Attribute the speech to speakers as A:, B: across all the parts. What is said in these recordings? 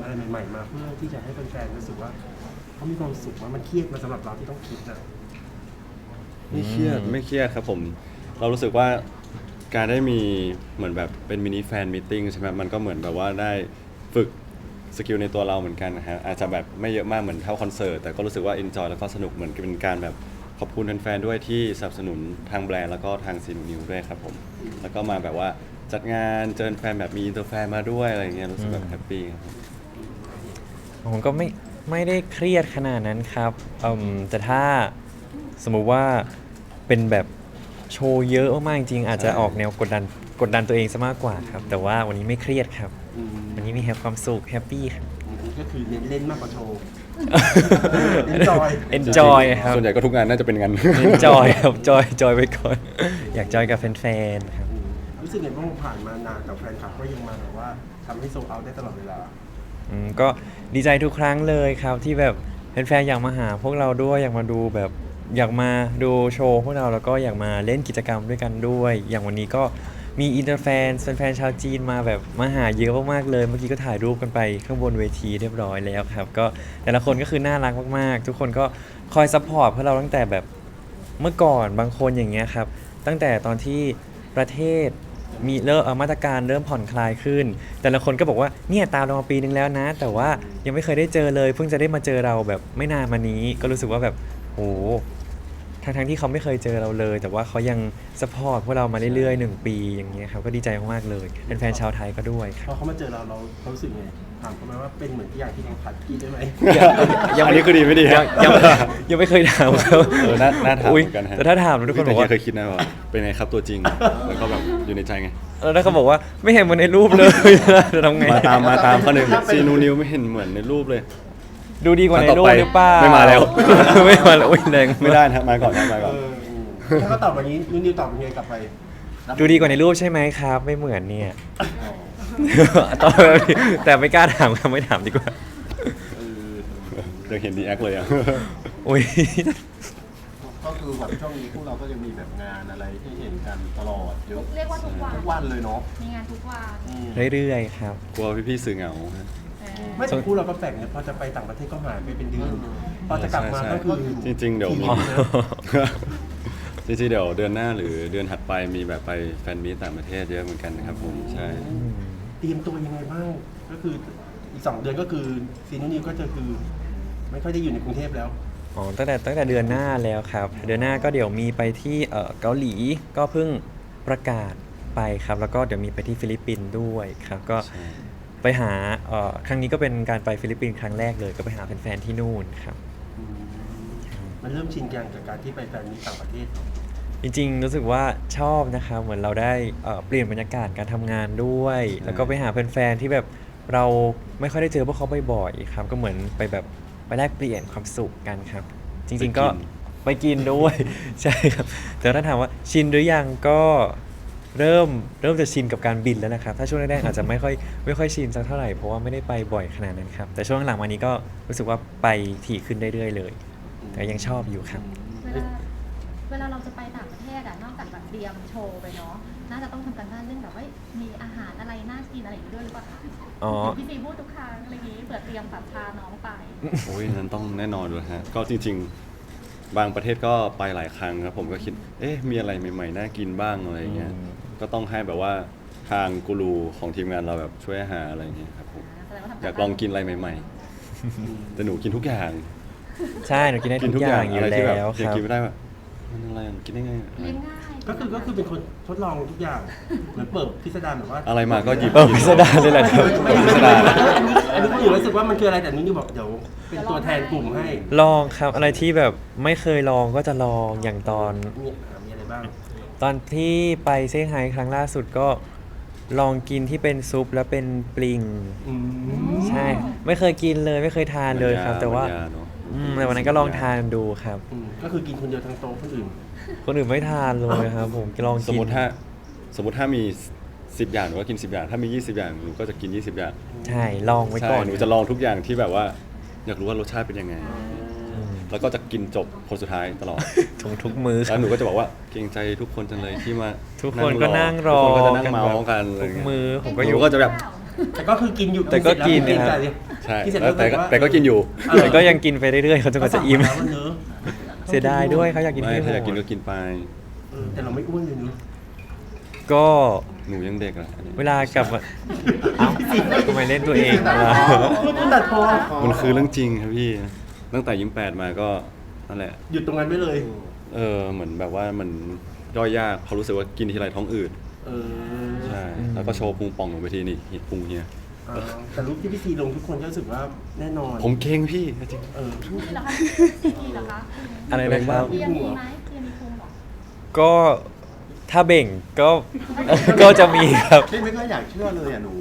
A: อะไรใหม่ๆมาเพื่อที่จะให้แฟนๆรู้สึกว่าเขามีความสุขว่ามันเครียดมาสำหรับเราที่ต้องคิดนะ
B: ไม่เครียดไม่เครียดครับผมเรารู้สึกว่าการได้มีเหมือนแบบเป็นมินิแฟนมีตติ้งใช่ไหมมันก็เหมือนแบบว่าได้ฝึกสกิลในตัวเราเหมือนกันนะฮะอาจจะแบบไม่เยอะมากเหมือนเท่าคอนเสิร์ตแต่ก็รู้สึกว่าเอนจอยแล้วก็สนุกเหมือนเป็นการแบบขอบคุณแฟนๆด้วยที่สนับสนุนทางแบรนด์แล้วก็ทางซีนูนิวด้วยครับผมแล้วก็มาแบบว่าจัดงานเจอแฟนแบบมีอินเตอร์แฟนมาด้วยอะไรเงี้ยรู้สึกแบบแฮปปี้ครับ
C: ผมก็ไม่ได้เครียดขนาดนั้นครับแต่ถ้าสมมุติว่าเป็นแบบโชว์เยอะมากๆจริงๆอาจจะออกแนวกดดันตัวเองซะมากกว่าครับแต่ว่าวันนี้ไม่เครียดครับวันนี้มีแฮปความสุขแฮปปี้ครับ
A: ก็คือเน้นเล่นมากกว่าโชว์
C: enjoy ครับ
B: ส่วนใหญ่ก็ทุกงานน่าจะเป็นงาน
C: enjoy ครับจอยไปก่อน อยากจอยกับแฟนๆครับ
A: รู้สึกไงบ้างผ่านมานานกับแฟนคลับก็ยังมาแบบว่าทำให้โซลเอาท์ได้ตลอดเวลา
C: ก็ดีใจทุกครั้งเลยครับที่แบบแฟนๆอยากมาหาพวกเราด้วยอยากมาดูแบบอยากมาดูโชว์พวกเราแล้วก็อยากมาเล่นกิจกรรมด้วยกันด้วย อย่างวันนี้ก็มีอินเตอร์แฟนชาวจีนมาแบบมาหาเยอะมากๆเลยเมื่อกี้ก็ถ่ายรูปกันไปข้างบนเวทีเรียบร้อยแล้วครับก็แต่ละคนก็คือน่ารักมากๆทุกคนก็คอยซัพพอร์ตพวกเราตั้งแต่แบบเมื่อก่อนบางคนอย่างเงี้ยครับตั้งแต่ตอนที่ประเทศมีมาตรการเริ่มผ่อนคลายขึ้นแต่ละคนก็บอกว่าเนี่ยตามเรามาปีนึงแล้วนะแต่ว่ายังไม่เคยได้เจอเลยเพิ่งจะได้มาเจอเราแบบไม่นานมานี้ก็รู้สึกว่าแบบโหทั้งที่เขาไม่เคยเจอเราเลยแต่ว่าเขายังซัพพอร์ตพวกเรามาเรื่อยๆ1 ปีอย่างเงี้ยครับก็ดีใจมากๆเลยเป็นแฟนชาวไทยก็ด้วยค
A: พ
C: รั
A: อบ เขามาเจอเรารู้สึกไงถามเขาไหมว่าเป็นเหมือนที่อย่างที่เราผัดกินได้ไหม
B: อันนี้คือดีไม่ดี
C: ยังไม่เคยถามเขา
B: น่าถามเหมือนกันฮะ
C: แต่ถ้าถามทุกคนบอกว่า
B: เคยคิดนะว่าเป็นไงครับตัวจริงแล้วก็แบบอยู่ในใจไง
C: แล้วเขาบอกว่าไม่เห็นเหมือนในรูปเลย จะทำไง
B: มาตามข้อหนึ่งซีนูนิวไม่เห็นเหมือนในรูปเลย
C: ดูดีกว่าในรูปหรือเปล่า
B: ไม่มาแล้ว
C: ไม่มาแล้วอุ้ยแรง
B: ไม่ได้นะมาก่อนนะมาก่อน
A: ถ้าเขาตอบแบบนี้นิวตอบยังไงกลับไป
C: ดูดีกว่าในรูปใช่ไหมครับ ไม่เหมือนเนี่ยตอบแบบนี้แต่ไม่กล้าถามครับไม่ถามดีกว่า
B: ยังเห็นดีแอคเลยอ่ะ
C: อุ้ย
A: ก็คือแบบช่วงนี้พวกเราก็ยังมีแบบงานอะไรที่เห็นกันตลอดเยอะ
D: เรียกว่าทุกวัน
A: ทุกวันเลยเนาะ
D: มีงานทุกวัน
C: เรื่อยๆครับ
B: กลัวพี่ๆสื่อเหงาฮะ
A: ไม่แต่คู่เราก็แปลกเนี่ยพอจะไปต่างประเทศก็หายไปเป็นเดือนพอจะกลับมาก็คือ
B: จริงๆเดี๋ยวมี
A: ทีมนะ
B: จริงๆเดี๋ยวเดือนหน้าหรือเดือนถัดไปมีแบบไปแฟนมีตต่างประเทศเยอะเหมือนกันนะครับผมใช่
A: เตรียมตัวยังไงบ้างก็คืออีก2 เดือนก็คือซีนูนิวก็จะคือไม่ค่อยได้อยู่ในกรุงเทพแล้ว
C: อ๋อตั้งแต่เดือนหน้าแล้วครับ เดือนหน้าก็เดี๋ยวมีไปที่เกาหลีก็เพิ่งประกาศไปครับ แล้วก็เดี๋ยวมีไปที่ฟิลิปปินส์ด้วยครับก็
B: ใช่
C: ไปหาครั้งนี้ก็เป็นการไปฟิลิปปินส์ครั้งแรกเลยก็ไปหาแฟนๆที่นู่นครับ
A: มันเริ่มชินกันกับการที่ไปแฟนมีตต่างประเทศ
C: จริงๆรู้สึกว่าชอบนะครับเหมือนเราได้เปลี่ยนบรรยากาศการทำงานด้วย แล้วก็ไปหาแฟนๆที่แบบเราไม่ค่อยได้เจอพวกเขาบ่อยๆครับก็เหมือนไปแบบไปแลกเปลี่ยนความสุขกันครับ จริงๆก็ไปกินด้วย ใช่ครับแต่ถ้าถามว่าชินหรือยังก็เริ่มจะชินกับการบินแล้วนะครับถ้าช่วงแรกๆอาจจะไม่ค่อยชินสักเท่าไหร่เพราะว่าไม่ได้ไปบ่อยขนาดนั้นครับแต่ช่วงหลังมานี้ก็รู้สึกว่าไปถี่ขึ้นเรื่อยๆเลยแต่ยังชอบอยู่ครับ
D: เวลาเราจะไปต่างประเทศอะนอกจากแบบเตรียมโชว์ไปเนาะน่าจะต้องทำการบ้านเรื่องแบบว่ามีอาหารอะไรน่ากินอะไรอย่างนี้ด้วยหรือเปล่าคะ
C: อ๋อ
D: พี่ซีพูดทุกครั้งอะไรอย่างนี้เผื่อเตรียมแบบพาน้องไป
B: โอ้ยนั้นต้องแน่นอนเลยฮะก็จริงๆ บางประเทศก็ไปหลายครั้งครับผมก็คิดมีอะไรใหม่ๆน่ากินบ้างอะไรเงี้ยก็ต้องให้แบบว่าทางกูรูของทีมงานเราแบบช่วยหาอะไรเงี้ยครับผม
D: แสดงว่าทำ
B: อยากลองกินอะไรใหม่ๆ แต่หนูกินทุกอย่าง
C: ใช่หนูกินได้ทุกอย่างอยู่
B: อะไรที่แบบ
C: แล้วค
B: ยัง
C: รับ
B: กินไม่ได้แบบมันอะไรอ่ะกินได้ไงอะไร
D: เลี้ยงง่าย
A: ก็คือเป็นคนทดลองทุกอย่างเหมือนเปิดพิสดารแบบว่า
B: อะไรมาก็หยิบ
C: พิสดารเลยแหละครับ
A: ไม่
B: พิสดาร
A: อันนี้ก็อยู่รู้สึกว่ามันคืออะไรแต่นิวบอกเดี๋ยวเป็นตัวแทนกลุ่มให้
C: ลองครับอะไรที่แบบไม่เคยลองก็จะลองอย่าง
A: มีอะไรบ้าง
C: ตอนที่ไปเซี่ยงไฮ้ครั้งล่าสุดก็ลองกินที่เป็นซุปแล้วเป็นปลิง
A: อืม
C: ใช่ไม่เคยกินเลยไม่เคยทานเลยครับ แต่ว่า
B: มันยเนอะ
C: แต่วันนั้นก็ลองทานดูครับ
A: ก็คือกินคนเดียวทั้งโต๊ะคนอื่น
C: คนอื่นไม่ทานเลยครับ ผมลอง
B: สม
C: กิ
B: ม
C: น
B: ติถ้ามี10 อย่างหนูก็กิน10 อย่างถ้ามี20 อย่างหนูก็จะกิน20 อย่าง
C: ใช่ลองไว้
B: ใช่
C: ก่อน
B: หนูจะลองทุกอย่างที่แบบว่า อยากรู้ว่ารสชาติเป็นยังไง แล้วก็จะกินจบคนสุดท้ายตลอด
C: ทุกมื้อค
B: แล้
C: รับ
B: วหนูก็จะบอกว่าเกรงใจทุกคนจังเลยที่มา
C: ทุกคนก็นั่งรอ
B: ทุกคนก็จะนั่ง
C: กัน
B: เมา
C: แบบ
B: ส์กันอะไร
C: ทุก
B: เงี้ย
C: มื้อผมก็
B: ห
C: อ
B: นู
C: ยู่
B: ก็จะแบบ
A: แต่ก็คือกินอยู่
C: แต่ก็กิน
A: เสร็จ
C: นะครับ
A: แล้ว
B: ใช่
A: กินเสร็จ
B: แล้วแต่ก็
A: บบว่า
B: แต่ก็กินอยู่
C: แต่ก็ยังกินไปเรื่อยๆเขาจนกว่าจะอิ่ม
A: ก็สั่งาแล้วเนอะ
C: เสียดายด้วยเขาอยากกิน
B: ไม่
C: ให้หม
B: ถ้าอยากกิน
C: ด
B: ก็กินไป
A: แต่เราไม่อ้วนเลยเนอะ
C: ก็
B: หนูยังเด็กอะอันนี้
C: เวลากลับมาเอ้าทำไมเล่นตัวเองล่ะ
A: พูดตัดพอ
B: มันคือเรื่องจริงครับพี่ ตั้งแต่ยิ้ม8มาก็นั่นแหละ
A: หยุดตรงนั้นไปเลย
B: เหมือนแบบว่ามันย่อยยากเพราะรู้สึกว่ากินทีไรท้องอืด
A: เออ
B: ใช่ แล้วก็โชว์พุงป่องลงไปทีนี่เห็นพุงเฮีย
A: แต่รูปที่พี่ซีลงทุกคนก็รู้สึกว่าแน่นอน
B: ผมเก่งพี่จริง
A: เออ
D: เหรอคะซีดีเหรอคะ
C: อะไรนะครับ
D: เรียนมีไหมเรียนมีภูมิเหรอ
C: ก็ถ้าเบ่งก็ ก็จะมีครับ
E: พี่ไม่ค่อยอยากเชื่อเลยอ่ะหนู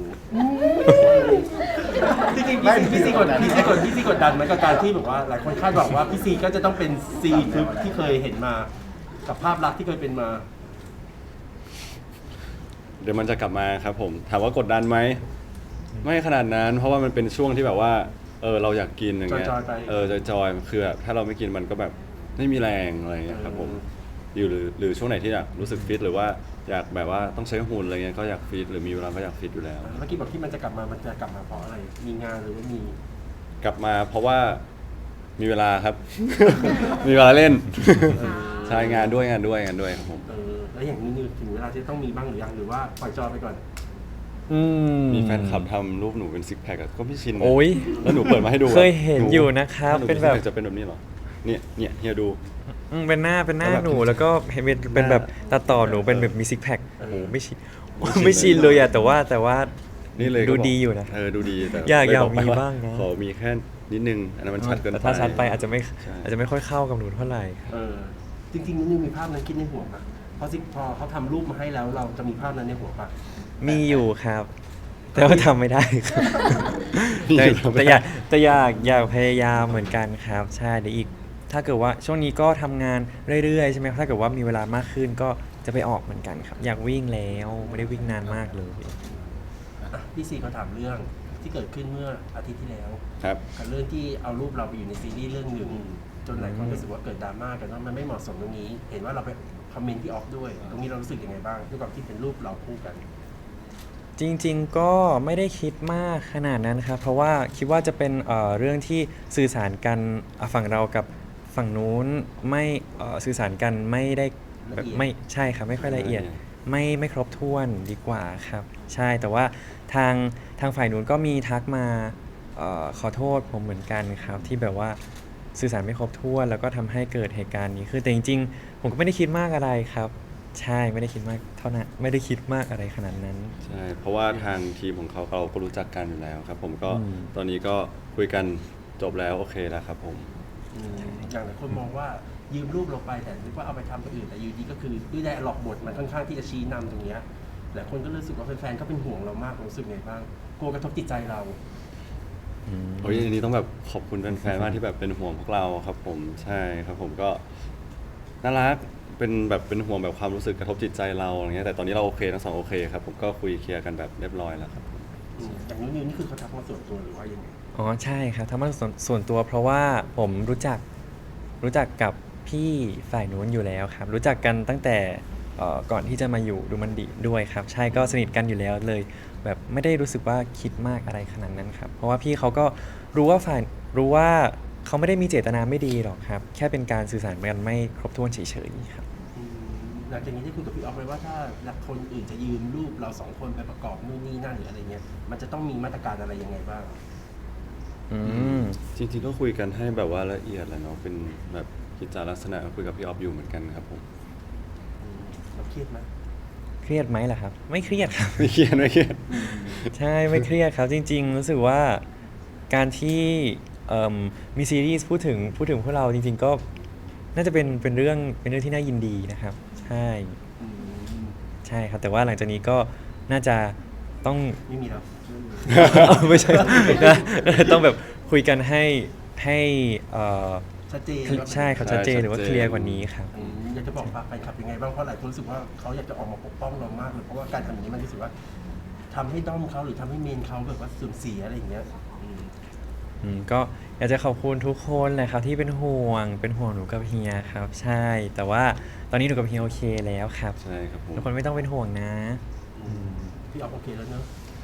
A: จริงๆพี่ซีกดดันไหมกับการที่แบบว่าหลายคนคาดหวังว่าพี่ซีก็จะต้องเป็นซีทึบที่เคยเห็นมากับภาพลักษณ์ที่เคยเป็นมา
B: เดี๋ยวมันจะกลับมาครับผม ถามว่ากดดันไหม ไม่ขนาดนั้น เพราะว่ามันเป็นช่วงที่แบบว่า เราอยากกินอย่างเงี้ย
A: จอยๆไป
B: จอยๆคือแบบถ้าเราไม่กินมันก็แบบไม่มีแรงอะไรเงี้ยครับผมอยู่หรือช่วงไหนที่อยากรู้สึกฟิตหรือว่าอยากแบบว่าต้องใช้หุ่นอะไรเงี้ยก็อยากฟิตหรือมีเวลาก็อยากฟิตอยู่แล้ว
A: เมื่อกี้บอกที่มันจะกลับมาเพราะอะไร มีงานหรือว่ามี
B: กลับมาเพราะว่ามีเวลาครับ มีเวลาเล่น ใช่งานด้วยครับผม
A: แล้วอย่างนี้ถึงเวลาที่ต้องมีบ้างหรือยังหรือว่าปล่อยจอยไปก่อน
C: อืม
B: มีแฟนคลับทำรูปหนูเป็นซิกแพคก็ไม่ชินนะ
C: โอ้ย
B: แล้วหนูเปิดมาให้ดูอะ
C: เคยเห็นอยู่นะครับ
B: ห
C: เป็นแบบ
B: ซิกคจะเป็นแบบนี้เหรอเนี่ยเฮียดู
C: เป็นหน้า
B: แล้วแบบ
C: หนูแล้วก็เห็นเป็นแบบตัดต่อหนูเป็นแบบมีซิกแพค
A: เออ
C: โอ้โหไม่ชินไม่ชินเลยอะแต่ว่า
B: นี่เลยก็
C: ดู
B: บอก
C: ดีอยู่นะ
B: ดูดีแต่
C: อยาก
B: เลบไป
C: มี
B: ว่
C: บ้างนะ
B: ขอมีแค่นิดนึงอันนั้นมันชัดเกิน
C: แต่
B: ไป
C: ถ้าชัดไปอาจจะไม่
B: ใช่
C: อาจจะไม่ค่อยเข้ากับหนูเท่าไหร่
A: จริงๆนี่มีภาพนั้นคิดในหัวปะพอเขาทำรูปมาให้แล้วเราจะมีภาพนั้นในหัวปะ
C: มีอยู่ครับ แต่ว่าทำไม่ได้ครับ
B: มี
C: แต่
B: อยู่
C: แต่อยากพยายามเหมือนกันครับ ใช่เดี๋ยวอีก ถ้าเกิดว่าช่วงนี้ก็ทำงานเรื่อยๆใช่ไหมถ้าเกิดว่ามีเวลามากขึ้นก็จะไปออกเหมือนกันครับ อยากวิ่งแล้วไม่ได้วิ่งนานมากเลย
A: พี่ซีเขาถามเรื่องที่เกิดขึ้นเมื่ออาทิตย์ที่แล้ว
B: ครับ
A: กับเรื่องที่เอารูปเราไปอยู่ในซีรีส์เรื่องหนึ่งจนหลายคนรู้สึกว่าเกิดดราม่ากันว่ามันไม่เหมาะสมตรงนี้ เห็นว่าเราไปคอมเมนต์พี่ออฟด้วย ตรงนี้เรารู้สึกยังไงบ้างด้วยความที่เป็นรูปเราคู่กัน
C: จริงๆก็ไม่ได้คิดมากขนาดนั้นครับ เพราะว่าคิดว่าจะเป็นเรื่องที่สื่อสารกันฝั่งเรากับฝั่งนู้นไม่สื่อสารกันไม่ได้แบบ
A: ละเอียด
C: ไม่ใช่ครับไม่ค่อยละเอียด
B: ละเอียด
C: ไม่ครบถ้วนดีกว่าครับ ใช่แต่ว่าทางฝ่ายนู้นก็มีทักมาขอโทษผมเหมือนกันครับ ที่แบบว่าสื่อสารไม่ครบถ้วนแล้วก็ทำให้เกิดเหตุการณ์นี้คือแต่จริงๆ ผมก็ไม่ได้คิดมากอะไรครับ ใช่ไม่ได้คิดมากเท่านั้นไม่ได้คิดมากอะไรขนาดนั้น
B: ใช่เพราะว่าทางทีมของเขาก็รู้จักกันอยู่แล้วครับ ผมก็
C: อืม
B: ตอนนี้ก็คุยกันจบแล้วโอเคแล้วครับผม
A: อย่างหลายคนมองว่ายืมรูปเราไปแต่นึกว่าเอาไปทำตัวอื่นแต่อยู่ดีก็คือด้วยไดอะล็อกบทมันค่อนข้างที่จะชี้นำตรงเนี้ยหลายคนก็รู้สึกว่าแฟนๆก็เป็นห่วงเรามากรู้สึกไงบ้างกลัวกระทบจิตใจเรา
B: โอ้ยอันนี้ต้องแบบขอบคุณแฟนๆมากที่แบบเป็นห่วงพวกเราครับผมใช่ครับผมก็น่ารักเป็นห่วงแบบความรู้สึกกระทบจิตใจเราอะไรเงี้ยแต่ตอนนี้เราโอเคทั้งสองโอเคครับผมก็คุยเคลียร์กันแบบเรียบร้อยแล้วครับผม
A: อย่างนี้นี่คือเขาทักมาส่วนตัวหรือว่ายังไง
C: อ๋อใช่ครับทำมาส่วนตัวเพราะว่าผมรู้จักกับพี่ฝ่ายนู้นอยู่แล้วครับ รู้จักกันตั้งแต่ก่อนที่จะมาอยู่ดูมันดีด้วยครับ ใช่ก็สนิทกันอยู่แล้วเลย แบบไม่ได้รู้สึกว่าคิดมากอะไรขนาดนั้นครับ เพราะว่าพี่เขาก็รู้ว่าเขาไม่ได้มีเจตนาไม่ดีหรอกครับ แค่เป็นการสื่อสารกันไม่ครบถ้วนเฉยๆครับ
A: หลังจากนี้ได้คุยกับพี่ออฟไหมว่าถ้าหลักคนอื่นจะยืมรูปเราสองคนไปประกอบนู่นนี่นั่นหรืออะไรเงี้ยมันจะต้องมีมาตรการอะไรยังไงบ้าง
C: อืม
B: จริงๆก็คุยกันให้แบบว่าละเอียดแหละเนาะเป็นแบบกิจจาลักษณะคุยกับพี่ออฟอยู่เหมือนกันครับผม
A: เราเครียดไหม
C: เครียดไหมล่ะครับ ไม่เครียดครับ
B: ไม่เครียด
C: ใช่ไม่เครียดครับจริงๆ รู้สึกว่าการที่มีซีรีส์พูดถึงพวกเราจริงๆก็น่าจะเป็นเรื่องที่น่ายินดีนะครับ ใช่ใช่ครับแต่ว่าหลังจากนี้ก็น่าจะต้อง
A: ไม่มีแล้ว
C: ไม่ใช่ต้องแบบคุยกันให้
A: ชัดเจน
C: ใช่ครับชัดเจนหรือว่าเคลียร์กว่านี้ครับ
A: อยากจะบอกฝากแฟนคลับยังไงบ้างเพราะหลายคนรู้สึกว่าเขาอยากจะออกมาปกป้องเรามากเลยเพราะว่าการทำอย่างนี้มันรู้สึกว่าทำให้ด้อมเขาหรือทำให้เมนเขาแบบว่าเสื่อมเสียอะไรอย่างเงี้ย
C: ก็อยากจะขอบคุณทุกคนเลยครับที่เป็นห่วงหนูกับเฮียครับ ใช่ แต่ว่าตอนนี้หนูกับเฮียโอเคแล้วครับ
B: ใช่ครับผม
C: ทุกคนไม่ต้องเป็นห่วงนะ
A: พี่ออฟโอเคแล้วเนอะ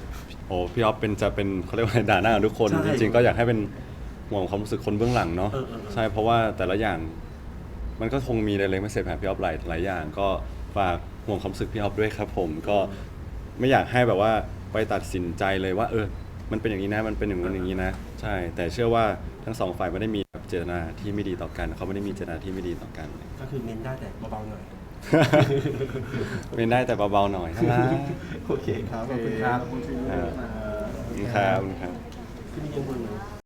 B: โอ้พี่ออฟจะเป็นเขาเรียกว่าด่าหน้ากับทุกคน
A: ใช่
B: จริงๆก็อยากให้เป็นห่วงความรู้สึกคนเบื้องหลังเนาะ
A: เออๆๆ
B: ใช่เพราะว่าแต่ละอย่างมันก็คงมีอะไรไม่เสร็จแบบพี่ออฟหลายอย่างก็ฝากห่วงความรู้สึกพี่ออฟด้วยครับผมก็ไม่อยากให้แบบว่าไปตัดสินใจเลยว่ามันเป็นอย่างนี้นะมันเป็นอย่างนั้นอย่างนี้นะใช่แต่เชื่อว่าทั้งสองฝ่ายไม่ได้มีแบบเจตนาที่ไม่ดีต่อกันเขาไม่ได้มีเจตนาที่ไม่ดีต่อกัน
A: ก็คือเมนได้แต่เบาๆหน่อย
B: เป็นได้แต่เบาๆหน่อยนะ
A: โอเคครับ ขอบคุณครับ
B: ขอบคุณครับ
A: ที่มีเงินบน